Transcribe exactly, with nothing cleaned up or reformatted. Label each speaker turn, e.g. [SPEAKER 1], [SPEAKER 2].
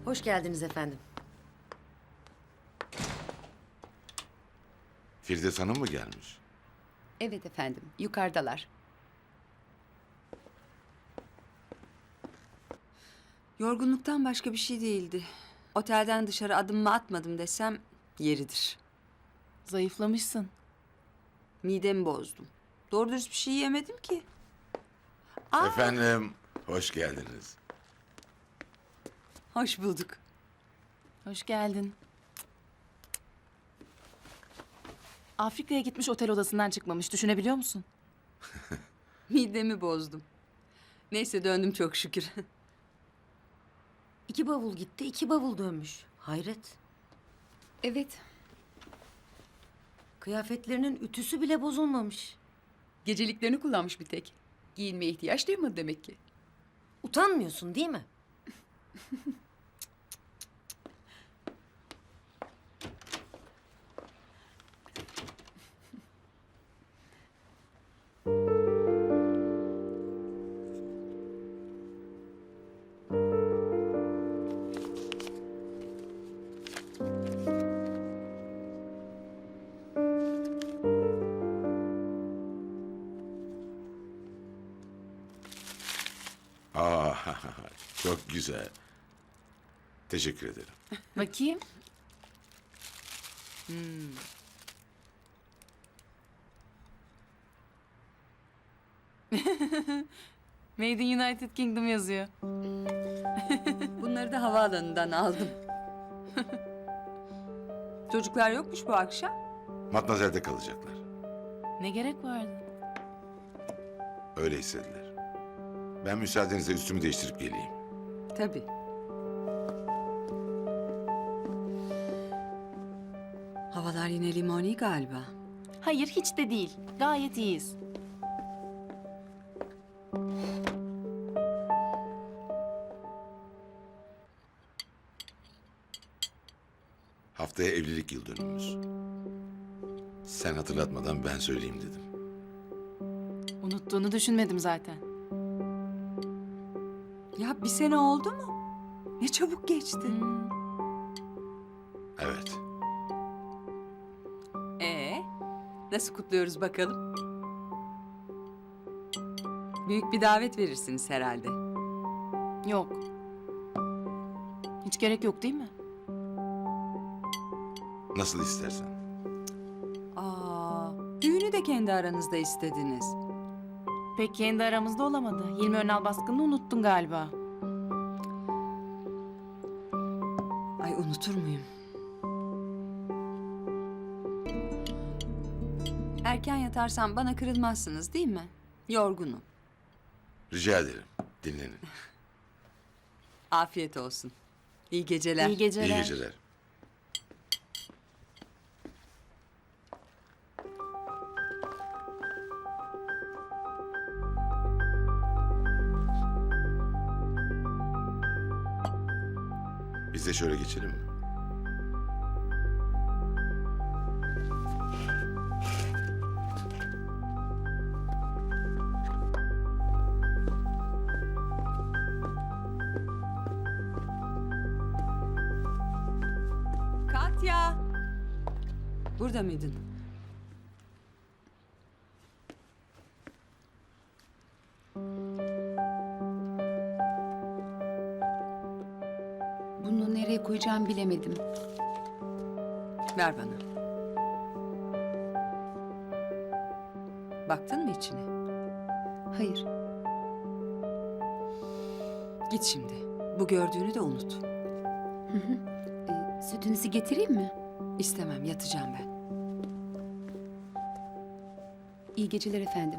[SPEAKER 1] Hoş geldiniz efendim.
[SPEAKER 2] Firdevs Hanım mı gelmiş?
[SPEAKER 3] Evet efendim, yukarıdalar. Yorgunluktan başka bir şey değildi. Otelden dışarı adımımı atmadım desem yeridir.
[SPEAKER 4] Zayıflamışsın.
[SPEAKER 3] Midemi bozdum. Doğru dürüst bir şey yemedim ki. Aa,
[SPEAKER 2] Efendim, hoş geldiniz.
[SPEAKER 3] hoş bulduk.
[SPEAKER 4] Hoş geldin. Afrika'ya gitmiş, otel odasından çıkmamış. Düşünebiliyor musun?
[SPEAKER 3] Midemi bozdum. Neyse döndüm çok şükür.
[SPEAKER 1] İki bavul gitti, iki bavul dönmüş. Hayret.
[SPEAKER 3] Evet,
[SPEAKER 1] Kıyafetlerinin ütüsü bile bozulmamış.
[SPEAKER 3] geceliklerini kullanmış bir tek. Giyinmeye ihtiyaç duymadı demek ki.
[SPEAKER 1] Utanmıyorsun değil mi?
[SPEAKER 2] Aa, çok güzel. Teşekkür ederim.
[SPEAKER 4] Bakayım. Made in United Kingdom yazıyor.
[SPEAKER 3] Bunları da havaalanından aldım. Çocuklar yokmuş bu akşam.
[SPEAKER 2] Matmazel'de kalacaklar.
[SPEAKER 4] Ne gerek vardı?
[SPEAKER 2] Öyle istediler. Ben müsaadenizle üstümü değiştirip geleyim.
[SPEAKER 3] Tabii. Havalar yine limoni galiba.
[SPEAKER 4] Hayır, hiç de değil. Gayet iyiyiz.
[SPEAKER 2] Haftaya evlilik yıl dönümümüz. Sen hatırlatmadan ben söyleyeyim dedim.
[SPEAKER 4] Unuttuğunu düşünmedim zaten.
[SPEAKER 3] Ya bir sene oldu mu? Ne çabuk geçti.
[SPEAKER 4] Hmm.
[SPEAKER 2] Evet.
[SPEAKER 3] Ee, nasıl kutluyoruz bakalım? Büyük bir davet verirsiniz herhalde.
[SPEAKER 4] Yok. Hiç gerek yok değil mi?
[SPEAKER 2] Nasıl istersen.
[SPEAKER 3] Aa, düğünü de kendi aranızda istediniz.
[SPEAKER 4] Pek kendi aramızda olamadı. Hilmi Önal baskınını unuttun galiba.
[SPEAKER 3] Ay unutur muyum? Erken yatarsam bana kırılmazsınız değil mi? Yorgunum.
[SPEAKER 2] Rica ederim. Dinlenin.
[SPEAKER 3] Afiyet olsun. İyi geceler.
[SPEAKER 4] İyi geceler.
[SPEAKER 2] İyi geceler. Biz de şöyle geçelim mi?
[SPEAKER 3] Katya! Burada mıydın?
[SPEAKER 5] Bunu nereye koyacağımı bilemedim.
[SPEAKER 3] Ver bana. Baktın mı içine?
[SPEAKER 5] Hayır,
[SPEAKER 3] Git şimdi. Bu gördüğünü de unut.
[SPEAKER 5] e, sütünüzü getireyim mi?
[SPEAKER 3] İstemem, yatacağım ben.
[SPEAKER 5] İyi geceler efendim.